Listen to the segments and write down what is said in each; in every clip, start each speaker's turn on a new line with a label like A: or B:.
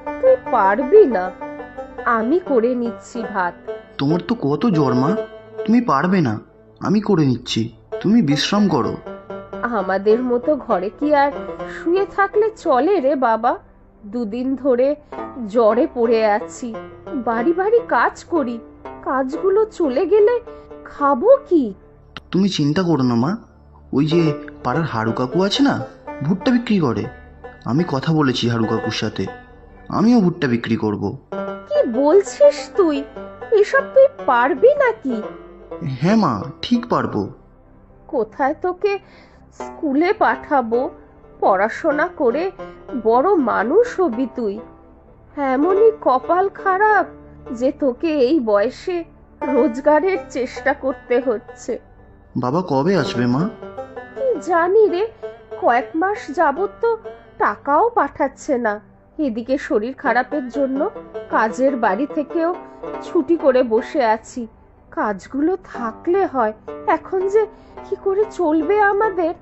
A: তুই পারবি না, আমি করে নিচ্ছি ভাত।
B: তোমার তো কত জ্বর মা, তুমি পারবে না, আমি করে নিচ্ছি, তুমি বিশ্রাম করো।
A: আমাদের মতো ঘরে কি আর শুয়ে থাকলে চলে রে বাবা? দুদিন ধরে জ্বরে পড়ে আছি, বাড়ি বাড়ি কাজ করি, কাজগুলো চলে গেলে খাবো কি?
B: তুমি চিন্তা করো না মা, ওই যে পাড়ার হাড়ু কাকু আছে না, ভুট্টা বিক্রি করে, আমি কথা বলেছি হাড়ু কাকুর সাথে, আমিও ভুট্টা বিক্রি করব।
A: কি বলছিস তুই? এসব তুই পারবি নাকি?
B: হ্যাঁ মা, ঠিক পারবো।
A: কোথায় তোকে স্কুলে পাঠাবো? পড়াশোনা করে বড় মানুষ হবি তুই। এমনই কপাল খারাপ যে তোকে এই বয়সে রোজগারের চেষ্টা করতে হচ্ছে।
B: বাবা কবে আসবে মা?
A: কি জানি রে, কয়েক মাস যাবত তো টাকাও পাঠাচ্ছে না। এদিকে শরীর খারাপের জন্য কাজের বাড়ি থেকেও ছুটি করে বসে আছি। কাজগুলো থাকলে হয়, এখন যে কি করে চলবে আমাদের?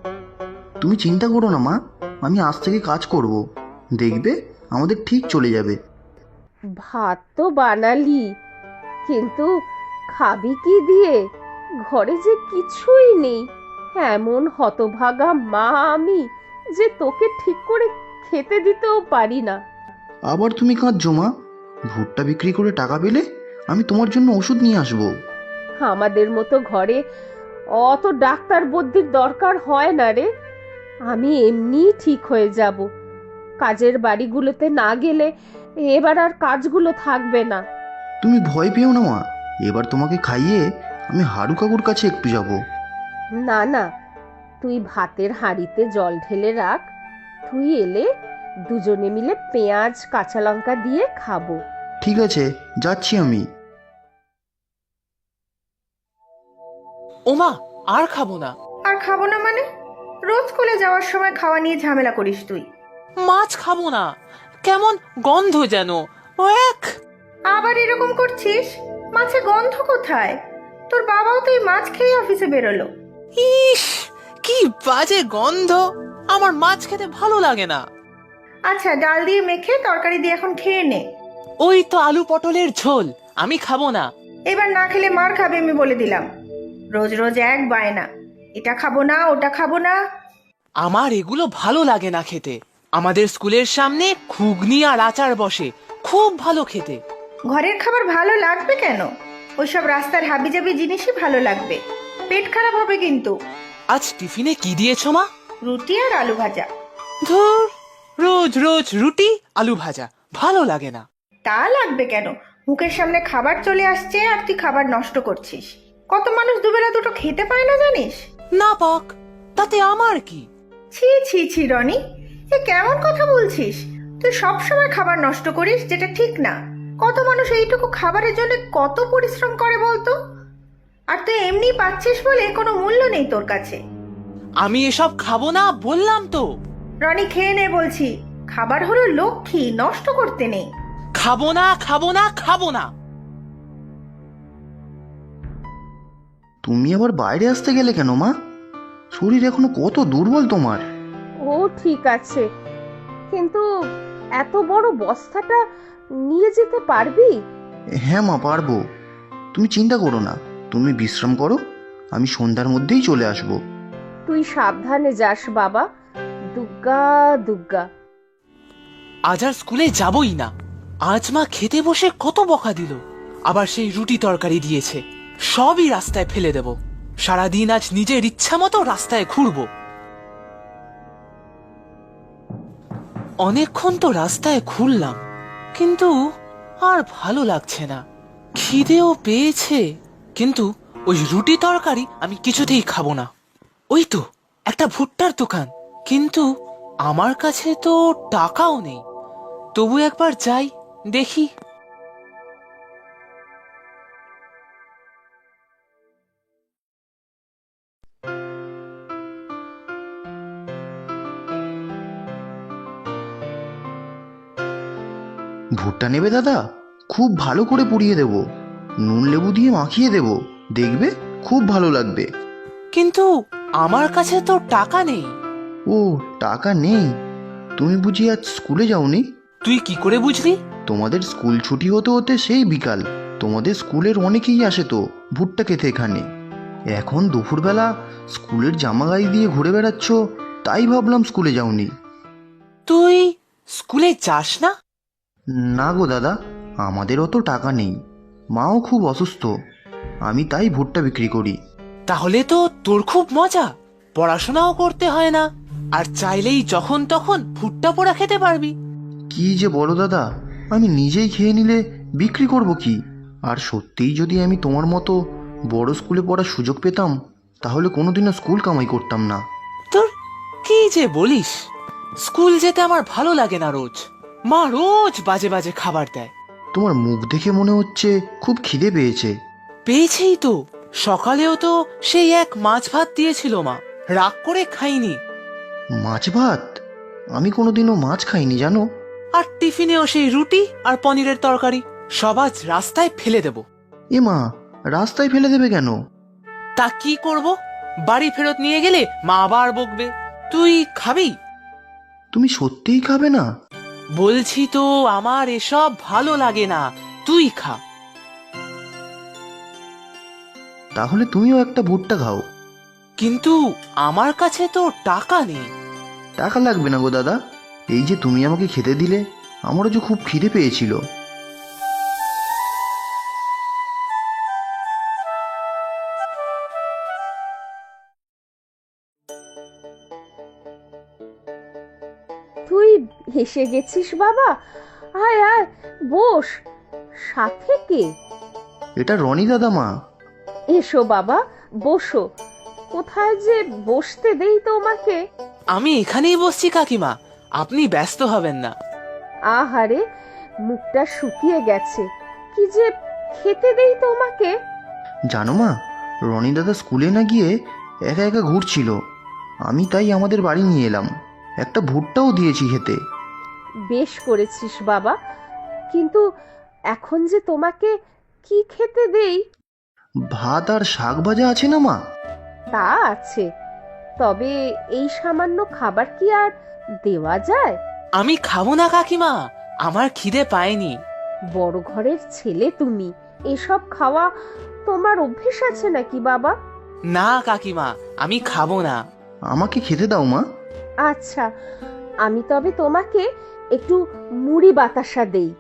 B: তুমি চিন্তা করো না মা, আমি আজ থেকে কাজ করব, দেখবে আমাদের ঠিক চলে যাবে।
A: ভাত তো বানালি, কিন্তু খাবি কি দিয়ে? ঘরে যে কিছুই নেই। এমন হতভাগা মা আমি যে তোকে ঠিক করে খেতে দিতেও পারি না।
B: আবার তুমি কাঁদছো মা? ভুট্টা বিক্রি করে টাকা পেলে আমি তোমার জন্য ওষুধ নিয়ে আসবো।
A: আমাদের মতো ঘরে অত ডাক্তার বুদ্ধির দরকার হয় না রে। আমি এমনি ঠিক হয়ে যাব। কাজের বাড়িগুলোতে না গেলে এবার আর কাজগুলো থাকবে না।
B: তুমি ভয় পেও না মা, এবার তোমাকে খাইয়ে আমি হাড়ু কাকুর কাছে একটু যাব।
A: না না, তুই ভাতের হাঁড়িতে জল ঢেলে রাখ, তুই এলে দুজনে মিলে পেঁয়াজ কাঁচা লঙ্কা দিয়ে খাবো।
B: ঠিক আছে, যাচ্ছি আমি।
C: ওমা, আর খাবো না।
D: আর খাবো না মানে? রোজ স্কুলে যাওয়ার সময় খাওয়া নিয়ে ঝামেলা করিস তুই।
C: মাছ খাবো না, কেমন গন্ধ যেন। এক
D: আবার এরকম করছিস? মাছে গন্ধ কোথায়? তোর বাবাও তো এই মাছ খেয়ে অফিসে বেরোলো।
C: ইস, কি বাজে গন্ধ, আমার মাছ খেতে ভালো লাগে না।
D: আচ্ছা, ডাল দিয়ে মেখে তরকারি দিয়ে এখন খেয়ে নে।
C: ওই তো আলু পটলের ঝোল, আমি খাবো না।
D: এবার না খেলে মার খাবে, আমি বলে দিলাম। রোজ রোজ এক বায়না, এটা খাবো না ওটা খাবো না।
C: আমার এগুলো ভালো লাগে না খেতে। আমাদের স্কুলের সামনে ঘুগনি আর আচার বসে, খুব ভালো খেতে।
D: ঘরের খাবার ভালো লাগবে কেন? ওইসব রাস্তার হাবিজাবি জিনিসই ভালো লাগবে। পেট খারাপ হবে কিন্তু।
C: আজ টিফিনে কি দিয়েছো মা?
D: রুটি আর আলু ভাজা।
C: ধুর, রোজ রোজ রুটি আলু ভাজা ভালো লাগে না।
D: তা লাগবে কেন? মুখের সামনে খাবার চলে আসছে আর তুই খাবার নষ্ট করছিস। কত মানুষ দুবেলা দুটো খেতে পায় না জানিস?
C: না পাক, তাতে আমার কি?
D: ছি ছি ছি রনি, এ কেমন কথা বলছিস? তুই সব সময় খাবার নষ্ট করিস, যেটা ঠিক না। কত মানুষ এইটুকু খাবারের জন্য কত পরিশ্রম করে বলতো? আর তুই এমনি পাচ্ছিস বলে কোনো মূল্য নেই তোর কাছে।
C: আমি এসব খাবো না বললাম তো।
D: রনি, খেয়ে নে বলছি। খাবার হলো লক্ষ্মী, নষ্ট করতে নেই।
C: খাবো না, খাবো না, খাবো না।
B: তুমি আবার বাইরে আসতে গেলে কেন মা? শরীর এখনো কত দুর্বল তোমার।
A: ও ঠিক আছে, কিন্তু এত বড় বস্তাটা নিয়ে যেতে পারবি?
B: হ্যাঁ মা, পারবো, তুমি চিন্তা করো না, তুমি বিশ্রাম করো, আমি সন্ধ্যার মধ্যেই চলে আসবো।
A: তুই সাবধানে যাস বাবা। দুগ্গা দুগ্গা।
C: আজ আর স্কুলে যাবই না। আজ মা খেতে বসে কত বকা দিল, আবার সেই রুটি তরকারি দিয়েছে, সবই রাস্তায় ফেলে দেব। সারাদিন আজ নিজের ইচ্ছা মতো রাস্তায় ঘুরবো। অনেকক্ষণ তো রাস্তায় ঘুরলাম, কিন্তু আর ভালো লাগছে না। খিদেও পেয়েছে, কিন্তু ওই রুটি তরকারি আমি কিছুতেই খাবো না। ওই তো একটা ভুট্টার দোকান, কিন্তু আমার কাছে তো টাকাও নেই। তবু একবার যাই, দেখি।
B: ভুট্টা নেবে দাদা? খুব ভালো করে পুড়িয়ে দেব, নুন লেবু দিয়ে মাখিয়ে দেব, দেখবে খুব ভালো লাগবে।
C: কিন্তু আমার কাছে তো টাকা নেই।
B: ও, টাকা নেই? তুমি বুঝি আজ স্কুলে যাওনি?
C: তুই কি করে বুঝলি?
B: তোমাদের স্কুল ছুটি হতে হতে সেই বিকাল। তোমাদের স্কুলের অনেকেই আসে তো ভুট্টা খেতে এখানে। এখন দুপুরবেলা স্কুলের জামা গায়ে দিয়ে ঘুরে বেড়াচ্ছ, তাই ভাবলাম স্কুলে যাওনি।
C: তুই স্কুলে যাস না?
B: না গো দাদা, আমাদের অত টাকা নেই, মাও খুব অসুস্থ, আমি তাই ভুট্টা বিক্রি করি।
C: তাহলে তো তোর খুব মজা, পড়াশোনাও করতে হয় না, আর চাইলেই যখন তখন ভুট্টা পোড়া খেতে পারবি।
B: কি যে বলো দাদা, আমি নিজেই খেয়ে নিলে বিক্রি করব কি? আর সত্যিই যদি আমি তোমার মতো বড় স্কুলে পড়ার সুযোগ পেতাম, তাহলে কোনোদিনও স্কুল কামাই করতাম না।
C: তোর কি যে বলিস, স্কুল যেতে আমার ভালো লাগে না। রোজ মা রোজ বাজে বাজে খাবার দেয়।
B: তোমার মুখ দেখে মনে হচ্ছে খুব খিদে পেয়েছে।
C: পেয়েছেই তো, সকালেও তো সেই এক মাছ ভাত দিয়েছিল মা, রাগ করে খাইনি।
B: মাছ ভাত? আমি কোনোদিনও মাছ খাইনি জানো।
C: আর টিফিনেও সেই রুটি আর পনিরের তরকারি, সব আজ রাস্তায় ফেলে দেব।
B: এ মা, রাস্তায় ফেলে দেবে কেন?
C: তা কি করব, বাড়ি ফেরত নিয়ে গেলে মা আবার বকবে। তুই খাবি?
B: তুমি সত্যিই খাবে না?
C: বলছি তো, আমার এসব ভালো লাগে না, তুই খা।
B: তাহলে তুমিও একটা ভুট্টা খাও।
C: কিন্তু আমার কাছে তো টাকা নেই।
B: টাকা লাগবে না গো দাদা, এই যে তুমি আমাকে খেতে দিলে, আমারও যে খুব খিদে পেয়েছিল।
A: তুই এসে গেছিস বাবা, আয় আয় বস। সাথে কে?
B: এটা রনি দাদা মা।
A: এসো বাবা, বসো। কোথায় যে বসতে দেই তোমাকে?
C: আমি এখানেই বসছি কাকিমা, আপনি ব্যস্ত হবেন না।
A: আহারে, মুখটা শুকিয়ে গেছে, কি যে খেতে দেই তোমাকে।
B: জানো মা, রনি দাদা স্কুলে না গিয়ে একা একা ঘুরছিল, আমি তাই আমাদের বাড়ি নিয়ে এলাম, একটা ভুট্টাও দিয়েছি খেতে।
A: বেশ করেছিস বাবা, কিন্তু এখন যে তোমাকে কি খেতে দেই?
B: ভাত আর শাক ভাজা আছে না মা?
A: তা আছে, তবে এই সামান্য খাবার কি আর দেওয়া যায়?
C: আমি খাবো না কাকিমা, আমার খিদে পায়নি।
A: বড় ঘরের ছেলে তুমি, এসব খাওয়া তোমার অভ্যেস আছে নাকি বাবা?
C: না কাকিমা, আমি খাবো না।
B: আমাকে খেতে দাও মা।
A: আচ্ছা, আমি তবে তোমাকে একটু মুড়ি বাতাসা দেই।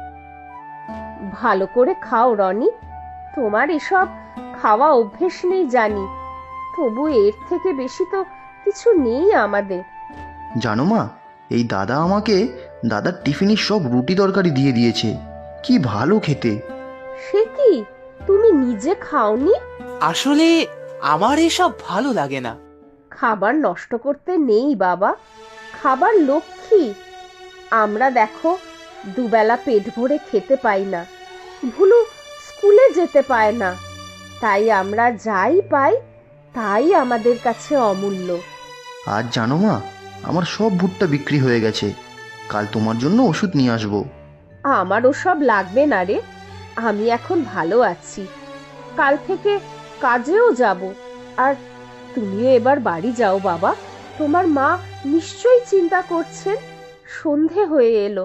A: ভালো করে খাও রনি, তোমার এসব খাওয়া অভ্যেস নেই জানি, তবু এর থেকে বেশি তো কিছু নেই আমাদের।
B: জানো মা, এই দাদা আমাকে দাদার টিফিনের সব রুটি তরকারি দিয়ে দিয়েছে, কি ভালো খেতে।
A: সে কি, তুমি নিজে খাওনি?
C: আসলে আমার এসব ভালো লাগে না।
A: খাবার নষ্ট করতে নেই বাবা, খাবার লক্ষ্মী। আমরা দেখো দুবেলা পেট ভরে খেতে পাই না, ভুলু স্কুলে যেতে পায় না, তাই আমরা যাই পাই তাই আমাদের কাছে অমূল্য।
B: আজ জানো মা, আমার সব ভুট্টা বিক্রি হয়ে গেছে, কাল তোমার জন্য ওষুধ নিয়ে আসবো।
A: আমার ওসব লাগবে না রে, আমি এখন ভালো আছি, কাল থেকে কাজেও যাব। আর তুমিও এবার বাড়ি যাও বাবা, তোমার মা নিশ্চয়ই চিন্তা করছেন, সন্ধে হয়ে এলো।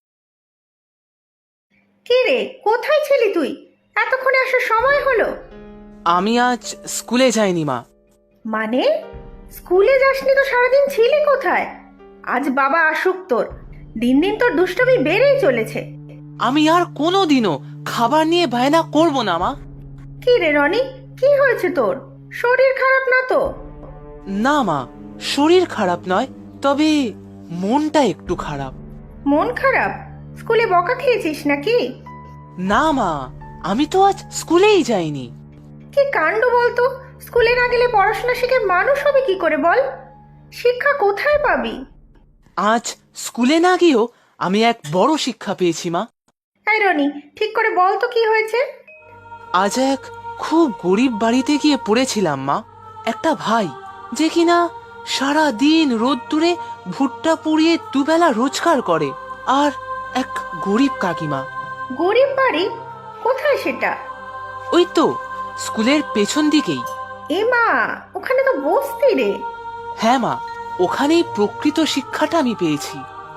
D: কি রে, কোথায় ছিলি তুই? এতক্ষণে আসার সময় হলো।
C: আমি আজ স্কুলে যাইনি মা।
D: মানে স্কুলে যাসনি তো? সারাদিন ছিলি কোথায়? আজ বাবা আসুক তোর, দিন দিন তোর দুষ্টুমি বেড়েই চলেছে।
C: আমি আর কোনোদিনও খাবার নিয়ে বায়না করব না মা।
D: কি রে রনি, কি হয়েছে তোর? শরীর খারাপ না তো?
C: না মা, শরীর খারাপ নয়, তবে মনটা একটু খারাপ।
D: মন খারাপ? স্কুলে বকা খেয়েছিস নাকি?
C: না মা, আমি তো আজ স্কুলেই যাইনি।
D: কি কাণ্ড বলতো, স্কুলে না গেলে পড়াশোনা শিখে মানুষ হবে কি করে বল? শিক্ষা কোথায় পাবি?
C: আজ স্কুলে না গিয়েও আমি এক বড় শিক্ষা পেয়েছি মা।
D: এই রনি, ঠিক করে বল তো কি হয়েছে?
C: আজ এক খুব গরিব বাড়িতে গিয়ে পড়েছিলাম মা। একটা ভাই যে কিনা সারা দিন রোদ্দুরে ভুট্টা পুড়িয়ে দুবেলা রোজগার করে, আর এক গরিব কাকিমা।
D: গরিব বাড়ি? কোথায় সেটা?
C: ওই তো স্কুলের পেছন দিকেই।
D: এ মা, ওখানে তো বসতি রে।
C: হ্যাঁ মা, ওখানেই প্রকৃত শিক্ষাটা আমি পেয়েছি।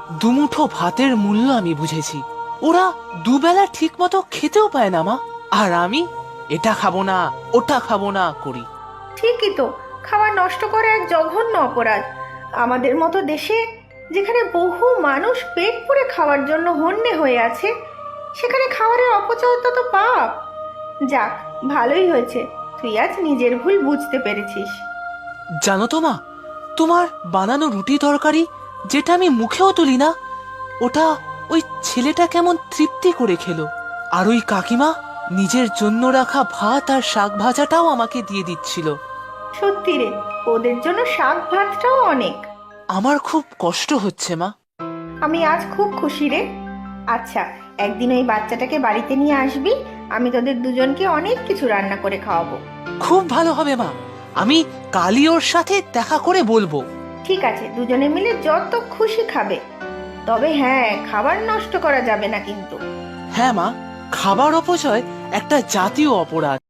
C: দুমুঠো ভাতের মূল্য আমি বুঝেছি। ওরা দুবেলা ঠিক মতো খেতেও পায় না মা, আর আমি এটা খাবো না ওটা খাবো না করি।
D: ঠিকই তো, খাবার নষ্ট করা এক জঘন্য অপরাধ। আমাদের মতো দেশে, যেখানে বহু মানুষ পেট পুরে খাওয়ার জন্য হন্যে হয়ে আছে, সেখানে খাবারের অপচয় তো পাপ। যাক, ভালোই হয়েছে তুই আজ নিজের ভুল বুঝতে পেরেছিস।
C: জানো তো মা, তোমার বানানো রুটি তরকারি যেটা আমি মুখেও তুলি না, ওটা ওই ছেলেটা কেমন তৃপ্তি করে খেলো। আর ওই কাকিমা নিজের জন্য রাখা ভাত আর শাক ভাজাটাও আমাকে দিয়ে দিচ্ছিল।
D: সত্যি রে, ওদের জন্য শাক ভাতটাও অনেক।
C: আমার খুব কষ্ট হচ্ছে মা।
D: আমি আজ খুব খুশি রে। আচ্ছা, একদিন ওই বাচ্চাটাকে বাড়িতে নিয়ে আসবি, আমি তোদের দুজনকে অনেক কিছু রান্না করে খাওয়াবো।
C: খুব ভালো হবে মা, আমি কালই ওর সাথে দেখা করে বলবো।
D: ঠিক আছে, দুজনে মিলে যত খুশি খাবে। তবে হ্যাঁ, খাবার নষ্ট করা যাবে না কিন্তু।
C: হ্যাঁ মা, খাবার অপচয় একটা জাতীয় অপরাধ।